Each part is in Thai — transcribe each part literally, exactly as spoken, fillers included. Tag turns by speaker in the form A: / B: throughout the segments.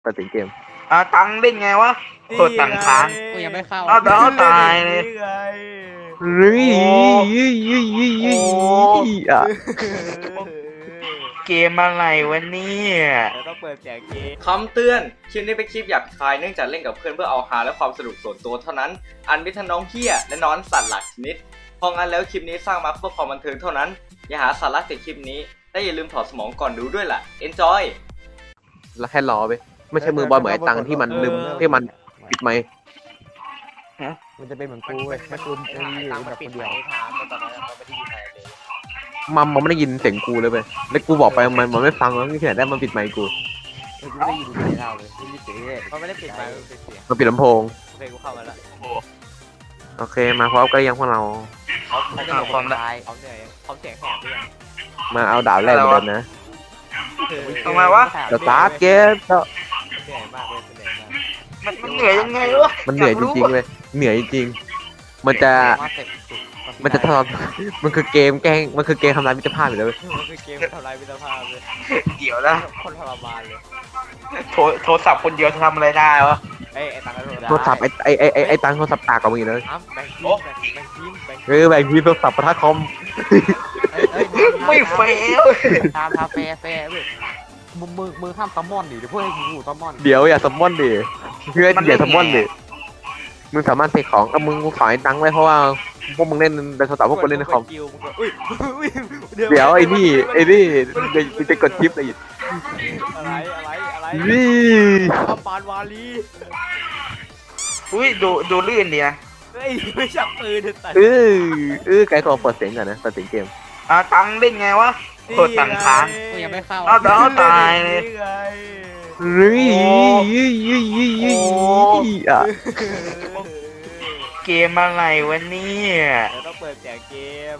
A: ตัดสินเกม
B: อ่าตังเล่นไงวะโคตรตังค้าง
C: กูยังไม่เข้า
B: เอาเดี๋ยวตายเลย
A: เฮ้ยยี่ยี่ยี่ยี่อ่ะ
B: เกมอะไรวะเนี่ย
C: ต้องเปิดเสียงเกม
D: คำเตือน คลิปนี้เป็นคลิปหยาบคายเนื่องจากเล่นกับเพื่อนเพื่อเอาฮาและความสนุกส่วนตัวเท่านั้น อันมิทั้งน้องเฮียและน้องสัตว์หลักชนิดเพราะงั้นแล้วคลิปนี้สร้างมาเพื่อความบันเทิงเท่านั้น อย่าหาสาระจากคลิปนี้และอย่าลืมถอดสมองก่อนดูด้วยล่ะ enjoy
A: แล้วแค่รอไปไม่ใช่มือบอลเหมือนไอ้ตังที่มันลืมที่มันปิดไมค์
C: มันจะเป็นเหมือนกูเว้ยแค่กูกูอยู่แบบคนเดียวทางตอนนั้นเราไม่ได้ยินอะไรเลย
A: มันมันไม่ได้ยินเสียงกูเลยไปแล้วกูบอกไปมันมันไม่ฟังแล้วที่ไหนได้มันปิดไมค์กู
C: กูไม่ได้ยินเสียงเราเลยไม่ได้ยินเสียงเลยมันไม่ได้ปิดไมค์มันปิดเสียง
A: มันปิดลำโพง
C: โอเคกูเข้ามาแล้ว
A: โอเคมาพร้อมกันยังพวกเรา
C: เขาเขาจะความได้เขาเหนื่อยเขาเสียงแหบด้วย
A: มาเอาดาบแรกเลยนะ
B: ทำไมวะ
A: สตาร์ทเกมก็
C: เหนื่อยมากเลยเหนื่อยมาก
B: มันมันเหนื่อยยังไงวะ
A: มันเหนื่อยจริงๆเลยเหนื่อยจริงมันจะมันจะทำมันคือเกมแกล้งมันคือเกมทำลายมิตรภาพอยู่แล้วมัน
C: คือเกมทำลายมิตรภาพเลย
B: เดี๋ยวนะ
C: คนทรมานเลย
B: โทรโทรศัพท์คนเดียวจะทำอะไรได้วะ
C: ไอ้ไอ้ตัง
A: โทรศัพท์ไอ้ไอ้ไอ้ไอ้ตังโทรศัพท์ตากกับมึงเลย
C: แบ่งทีมแบ่งทีมแบ่ง
A: เออแบ่งทีมโทรศัพท์ปะทะคอม
B: ไม่เฟล
C: ตามทาเฟ่เฟ่เว้ยมึงมึงมึงห้ามซัมมอนดิเดี๋ยวพวกไอ้กูซัมมอน
A: เดี๋ยวอย่าซัมมอนดิเพื่อนอย่าซัมมอนดิมึงสามารถเสกของกับมึงกูขอให้ตังค์ไว้เพราะว่าพวกมึงเล่นในโทรศัพท์พวกกูเล่นในคอมเดี๋ยวไอ้นี่ไอ้นี่จะจะกดชิปอะไรอีก
C: อะไรอะไรอะไร
A: นี่
C: ปานวาลี
B: อุ้ยดูดูลื่นดีนะ
C: เฮ้ยไม่จับปืนแต่
A: เออเออไกด์ขอเปิดเสียงก่อนนะเปิดเสียงเกม
B: อ่าตังเล่นไงวะโคตรตังค้าง
C: กูยังไม่เข้า
B: เอาเดี๋ยวตายเลย
A: เฮ้ยยี่ยี่ยี่ยี่อ่ะ
B: เกมอะไรวะเนี่ย
C: ต้องเปิดเสียงเกม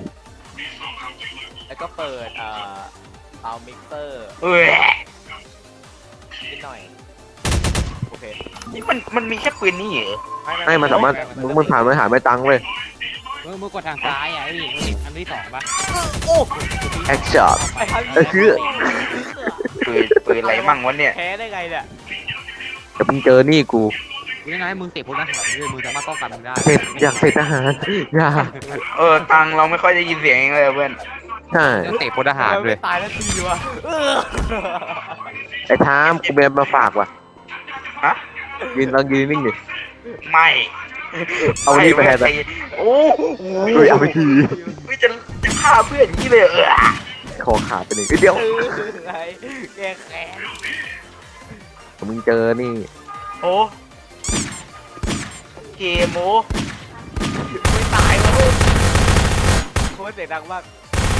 C: แล้วก็เปิดเอ่อเอามิกเซอร์
B: เอ้ย
C: นิดหน่อยโอเค
B: นี่มันมันมีแค่ปืนนี่เหรอ
A: ไม่มันสามารถมึงมึงผ่านไม่หาไม่ตังค์เว้ย
C: มึงมึงกดทางซ้ายอ่ะไอ้นี่อันที่สองป่ะ
A: แอคชั่นเออคือ
B: ปืนปืนอะไรมั่งวะเนี่ย
C: แพ้ได้ไงเนี่ย
A: แต่มึงเจอนี่กู
C: ยังไงมึงเตะพุทธหัตถ์ด้วยมึงสามารถป้องกันมึงได้
A: เสร็จอยากเสร็จทหารอย่า
B: เออตังเราไม่ค่อยได้ยินเสียงเลยเพื่อน
A: ใช่
C: เตะพุทธหัตถ์ด้วยตายแล้วทีวะ
A: ไอ้ท้ามกูเบนมาฝากว่ะ
B: ฮะ
A: ยืนลองยืนนิ่งดิ
B: ไม่
A: เอานี่ไปแทนไป
B: โอ้โห
A: เอาไปที
B: ไม่จะจะฆ่าเพื่อนอย่างนี้เลยเออ
A: คอขาดไปหนึ่งเดียว
C: แกแค้น
A: มึงเจอนี่
B: โอ้เกมโม
C: ไม่ตายวะโคตรเสียงดังมาก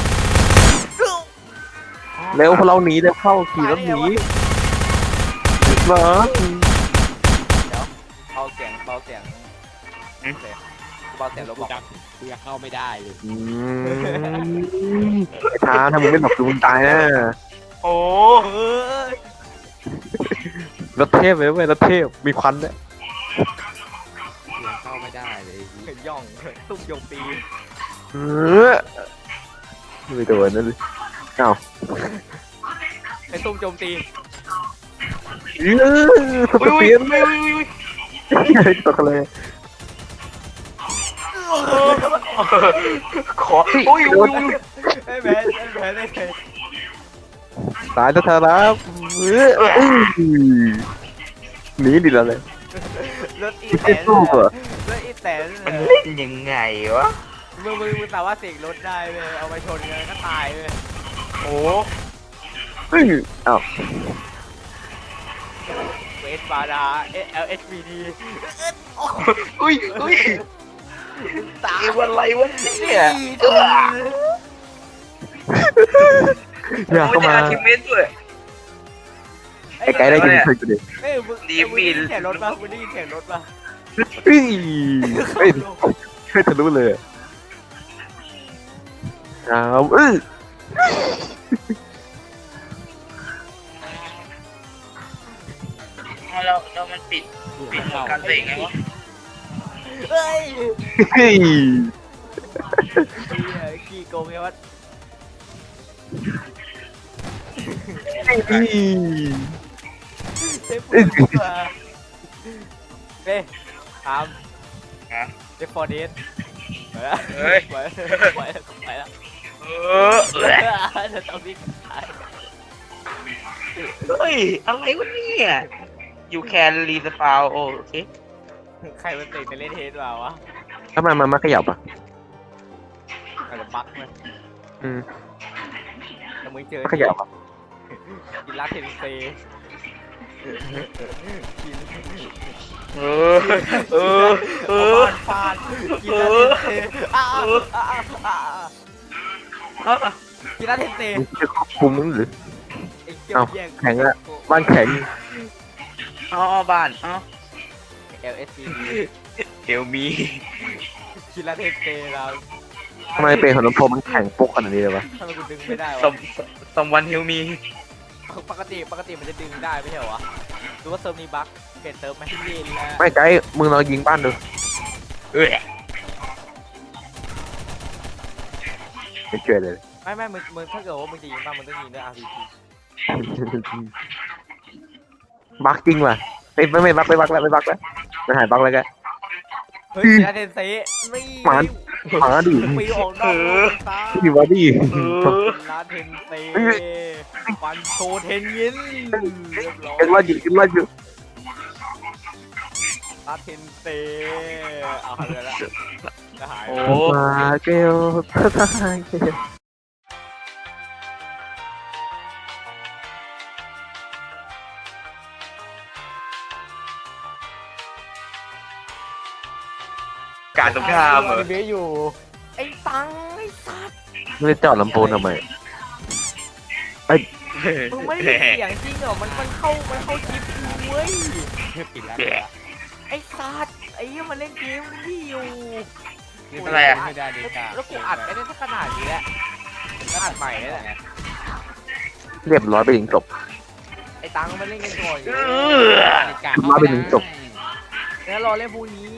A: เร็วพอเราหนีเร็วเข้าขี่รถหนีเหรอ
C: เดี๋ยวเบาเสียงเบาเสียงเบาเสียงรถบอกกูยังเข้าไม่ได้เลย
A: ช้าถ้ามึงไม่หลบมึงตายนะ
B: โอ้
A: รถเทพเลยเว้ยรถเทพมีควันเนี่ย
C: ยังเข้าไม่ได้เลยย่องตุ้มโยงตี
A: เออไม่โดนนั่นเลยเอ้า
C: ไอ้ตุ้มโจมตี
A: เออสเปียนตกเลย
B: ขออุ้ยอุ้ย
C: ไอ้แม่ไอ้แม่ไอ้แม่
A: ตายแล้วเธอแล้วหนีดิแล้วเลย
C: รถอีแตนรถอีแตน
B: มันเล่นยังไงวะ
C: มึงมึงมึงแต่ว่าเสกรถได้เลยเอาไปชนกันก็ตายเลย
B: โอ้
A: เฮ้ยอ้าว
C: เวสบาดาเอลเอชบีดี
B: อุ้ยอุ้ยตายวันไรวะเนี่ย
A: อย่าเข้ามา
B: ทีมเมนด้วย
A: ไอ้ไก่ได้ยินเคยกูดิ
C: เฮ้ยมึงดีมีเสียงรถป่ะมึงได้ยินเสียงรถป่ะ
A: เฮ้ยเฮ้ยเฮ้ยทะลุเลยอ้าวเอ้ย
B: เราเรามันปิดปิดการเตะไงวะ
C: เฮ้ย
A: เฮ้ย
C: กี่โกงไงวะซฟฟูดมาเฮ้ยทำเซฟฟอร์เดสไปแล้ว
B: เฮ้ย
C: ไปไปไปแล้ว
B: เออ
C: จะต้องวิ่งตาย
B: เฮ้ยอะไรวะเนี่ย you can respawn โอเค
C: ใครมันติดไปเล่นเทสมาวะ
A: ทำไมมันไม่ขยับอ่ะ
C: อาจจะบั๊กมั้ย
A: อืม
C: แต่มึงเจอ
A: ไม่ขยับอ่ะ
C: กินลาเทนเซกิน
B: เออเออเออ
C: ฟาดกินลาเทนเซอ้าวอ้าวอ้าวกินลาเทนเซ
A: มึงจะควบคุมมึงหรือ
C: ไอ้เกี่ยวแย่ง
A: แข็งอะบ้านแข็ง
B: อ๋อบ้านอ๋อ
C: เอลเอสซี
B: เฮลมี
C: กินลาเทนเซเรา
A: ทำไมเป็นของน้ำพรมมันแข็งปุ๊กขนาดนี้เลยวะ
C: ทำไมกูดึงไม่ได้
B: ส
C: วะ
B: มสมวันเฮลมี
C: ปกติปกติมันจะดึงได้ไม่ใช่เหรอวะหรือว่าเซิร์ฟนี้บั๊กเปลี่ยนเซิร์ฟไหมที่เย็นแล้ว
A: ไม่ไกด์มึงลองยิงบ้านดู
B: เอ้ย
A: ไม่เกิดเลย
C: ไม่ไม่มึงมึงถ้าเกิดว่ามึงจะยิงบ้างมึงต้องยิงด้วย อาร์ พี จี
A: บักจริงว่ะไม่ไม่ไม่บักไม่บักแล้วไม่บักแล้วมันหายบักแล้วแก
C: เฮ้ยกินลาเทนเซนี่
A: หมาหมาดิ
C: ปีออกนอกโลกตา
A: ดิวะดิ
B: เออ
C: ลาเทนเซฟันโชเทนยินเรียบร้อย
A: ยังรอดอยู่ยังรอดอยู่
C: ลาเทนเซเอาหายไปแล้วจะหาย
B: โอ้
A: มาเกลพระทายเกล
B: การสงครามเหรอ
C: เบอยู่ไอ้ตังไอ้สัตว์
A: ไม่ได้จอดลำโพงทำไม
C: มึงไม่ได้เสียงจริงเหรอมันมันเข้ามันเข้าคลิปกูเว้ยปิดแล้วไอ้สัตว์ไอ้เหี้ยมันเล่นเกมนี่อยู่
B: อะไรอะ
C: ไม่ได้ดิแล้วกูอัดไม่ได้สักขนาดนี้แหละแล้วอัดใหม่นี่แหละ
A: เรียบร้อยไปถึงจบ
C: ไอ้ตังมันเล่นกันก่อนอยู่
B: เออ
A: มาไปถึงจบ
C: แล้วรอเล่นพวกนี้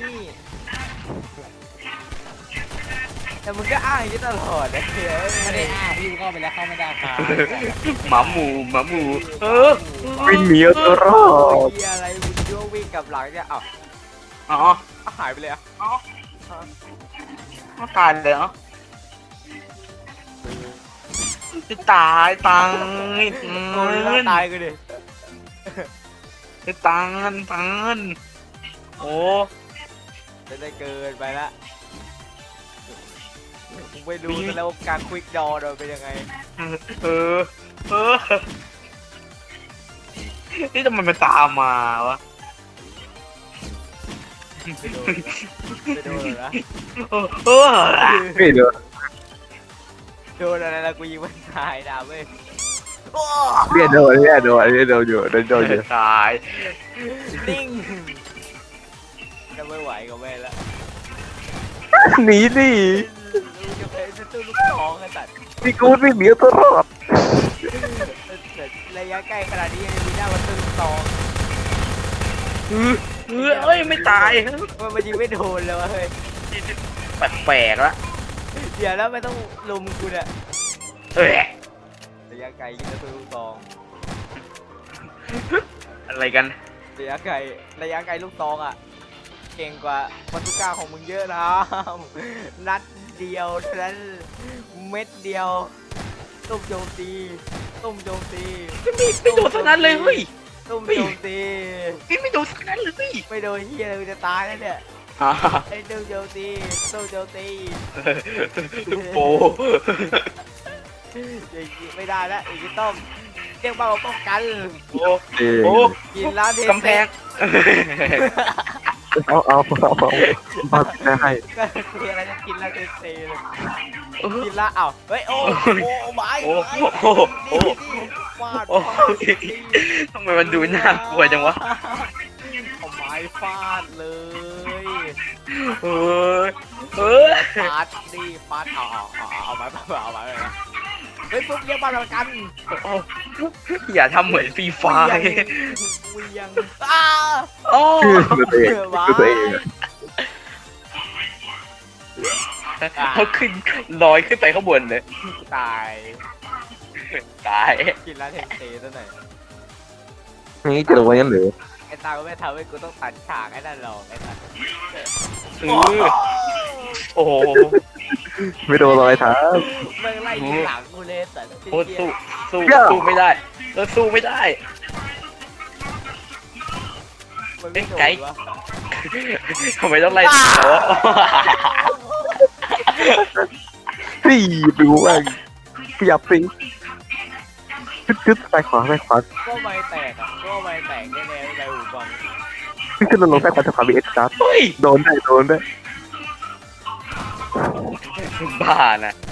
C: แต่มึงก็อ้างอย่างนี้ตลอดนะเฮ้ย
E: ไม่ได้อ้างพี่เข้าไปแล้วเข้าไม่ได้ครับ
B: หมาหมูหมาหมูเออ
A: วิ่งหนีเอาตัวรอด
C: เหี้ยอะไรมึงยั่ววิ่งกลับหลังเนี่ยอ้าว
B: อ๋อ
C: อ้าวหายไปเลยอ่ะ
B: เขาตายเลยเหรอจะตายตัง
C: โดนแล้วตายกูดิ
B: จะตังตังโอ้
C: จะได้เกินไปละมึงไปดูซะแล้วว่าการควิกดอเราเป็นยังไง
B: เออเออนี่ทำไมมันตามมาวะ
C: ไปโดนไปโดนนะ
B: เออเออ
A: ไม่เดี๋ยว
C: โดนอะไรละกูยิงมันตายนะเว้ย
A: เรียกโดนเรียกโดนเรียกโดนอยู่โดนโดนอยู่
B: ตาย
C: นิ่งก็ไม่ไหวก็ไม่ละ
A: หนีดิ
C: ลูกจะไปจะตู้ลูกท้องกันตัด
A: พี่กูวิ่งหนีเอาตัวรอด
C: ระยะใกล้ขนาดนี้ยังมีหน้ามาตู้ลูกท้อง
B: เออเออเอ้ยไม่ตาย
C: มันมันยิงไม่โดนเลยวะเฮ้ย
B: แปลกๆละ
C: เดี๋ยวแล้วไม่ต้องลุมกูเนี่ย
B: เอ้ย
C: ระยะไกลยิงตู้ลูกท้อง
B: อะไรกัน
C: ระยะไกลระยะไกลลูกตองอ่ะ เก่งกว่าวัตถุก้าของมึงเยอะนะ นัดเดียวเท่านั้นเม็ดเดียวตุ้มโจมตีตุ้มโจมตี
B: ไม่มีไม่โดนสักนั้นเลยเฮ้ย
C: ตุ้มโจมตี
B: พี่ไม่โดนสักนั้นเลย
C: ไม่โดนเฮียเลยมึงจะตายแล้วเนี่ย
B: อ่า
C: ไอ้ตุ้มโจมตีตุ้มโจมตี
B: โป
C: อย่างนี้ไม่ได้แล้วอย่างนี้ต้องเรียกว่าป้องกัน
B: โอ้
A: เออ
B: โอ้
C: กินร้านเท
B: กำแพง
A: เอาเอาเอาเอาเอาได้ให้
C: ก็คืออะไรจะกินร้านเทเซเลยกินละอ้าวเฮ้ยโอ้โอ้ไม้
B: โอ้
C: ไม้
B: โอ้โอ้
C: ฟาด
B: โอ้ทำไมมันดูน่ากลัวจังวะ
C: เอาไม้ฟาดเลย
B: เออเออ
C: ฟาดดิฟาดเอาเอาเอาเอาไม้เอาไม้เลยนะเฮ้ยปุ๊บเรียกบ้านประกัน
B: อย่าทำเหมือนฟรีไฟ
C: เวียงอ้า
B: โอ้
A: คือตัวเองคือตัวเองอะ
B: เขาขึ้นลอยขึ้นไปข้างบนเลย
C: ตาย
B: ตาย
C: กินร้านเทนเซซะหน่อย
A: นี่จะลงไว้งั้นหรือ
C: ไอ้ตาก็ไม่ทำให้กูต้องตัดฉากไอ้นั่นหรอกไอ้สัตว์
B: เออโอ้โห
A: ไม่โดนรอยเท้า
C: แม่งไล่ยิงหลังกูเลยแต่
B: โอ้สู้สู้สู้ไม่ได้แล้วสู้ไม่ได้
C: มันไม่โดนวะ
B: ทำไมต้องไล่ตีเขา
A: สี่ไปกูว่าขยับสิคึดคึดไปขวาไปขวา
C: ก็ไม่แตกอ่ะก็ไม่แตกแน่ๆในหูฟัง
A: ขึ้นขึ้นลงลงไปขวาจะขวาบีเอ็กซ์ครับ
B: เฮ้ย
A: โดนได้โดนได้
B: บ้าน่ะ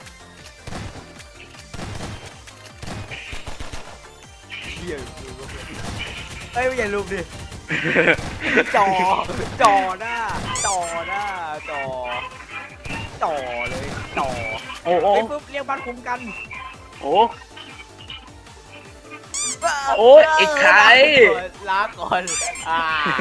C: เหี้ยกูก็ไม่เฮ้ยไม่อย่าลุมดิจอจอหน้าจอหน้าจอจอเลยจอ
B: โอ้โอ้
C: ไอ้ปุ๊บเรียกบ้านคุ้มกัน
B: โอ้ โอ้ยไอ้ใคร
C: ลาก่อนอ่า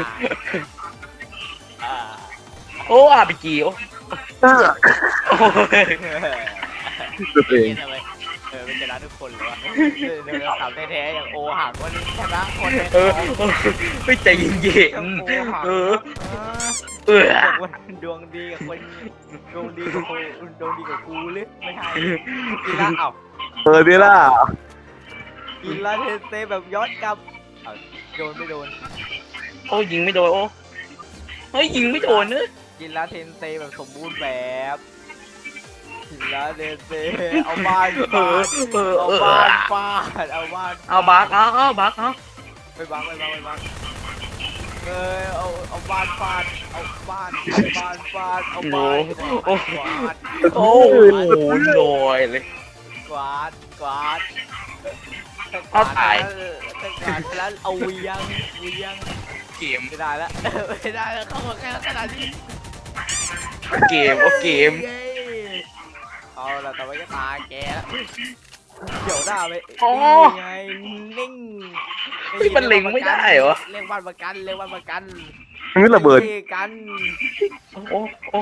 C: อ่า
B: โอ้อาบีจีโอ้
A: เออ
B: โอ้ย
A: ตัวเอง
C: ทำไมเออเป็นชนะทุกคนเลยวะเดินสาวแท้ๆอย่างโอหักวันนี้ชนะคนใน
B: เอ
C: ท้
B: อ
C: อง
B: ไม่ใจเย็น
C: โอหัก
B: ๆเออเออ
C: บอกว่าดวงดีกับคนดวงดีกับคนดวงดีกับกูหรือไม่ใช่กีฬาเอ้า
A: เออดีล่ะ
C: กีฬาเทนเซแบบย้อนกลับเอ้าโดนไม่โดน
B: โอ้ยิงไม่โดนโอ้เฮ้ยยิงไม่โดนเนอะ
C: กีฬาเทนเซแบบสมบูรณ์แบบกีฬาเทนเซเอาบ้าน
B: เอ
C: ฟา
B: อ
C: ด
B: เออ
C: เอา
B: เออ
C: บ้านฟาดเอาบ้าน
B: เอาบักเอาเอาบักเอา
C: ไปบังไปบังไปบังเออเอาเอาบ้านฟาดเอาบ้านเอาบ้านฟาดเอาบ้านกวาด
B: โอ้โหลอยเลย
C: กวาดกวาด
B: เอาตาย
C: ถ้ากวาดแล้วเอาเวียงเวียง
B: เกม
C: ไม่ได้แล้วไม่ได้แล้วเข้ามาแค่ขนาดนี้
B: เกมโอ้เกม
C: เย้เอาละต่อไปก็ตาแกแล้วเดี๋ยวหน้าไป
B: อ๋อ
C: นี่ไงนิ่ง
B: เฮ้ยมันเล็งไม่ได้เหรอ
C: เรียกบ้านประกันเรียกบ้านประกัน
A: มันระเบิด
C: นี่กัน
B: โอ้โอ้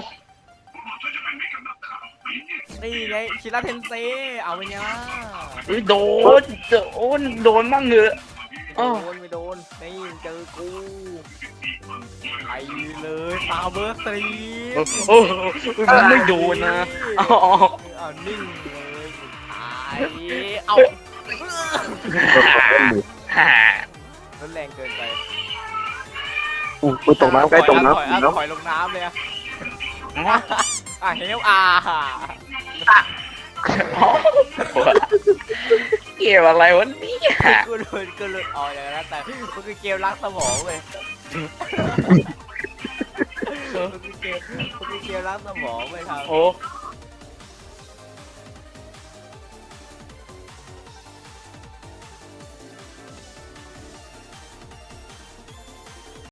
C: นี่ไงชิระเทนเซเอาไปเนี่ย
B: เฮ้ยโดนโดนโดนมั่งเหรอ
C: โดนไม่โดนนี่เจอกูไปเลยตาเบอร์สตรี
B: โอ้โอ้มันไม่โดนนะอ๋อ
C: เอานิ่งเลยตายเอา
B: ฮ่า
C: รุนแรงเกินไป
A: อู้มันตกน้ำใกล้ตกน้ำ
C: ถอย
A: น้
C: ถอยลงน้ำเลยอะอ่ะเฮลอา
B: เกมอะไรวะเนี่ย
C: กูหลุดกูหลุดออกอย่างนั้นแต่มันคือเกมรักสมองเว้ยมันคือเกมมันคือเกมรักสมองเว้ยครับ
B: โอ้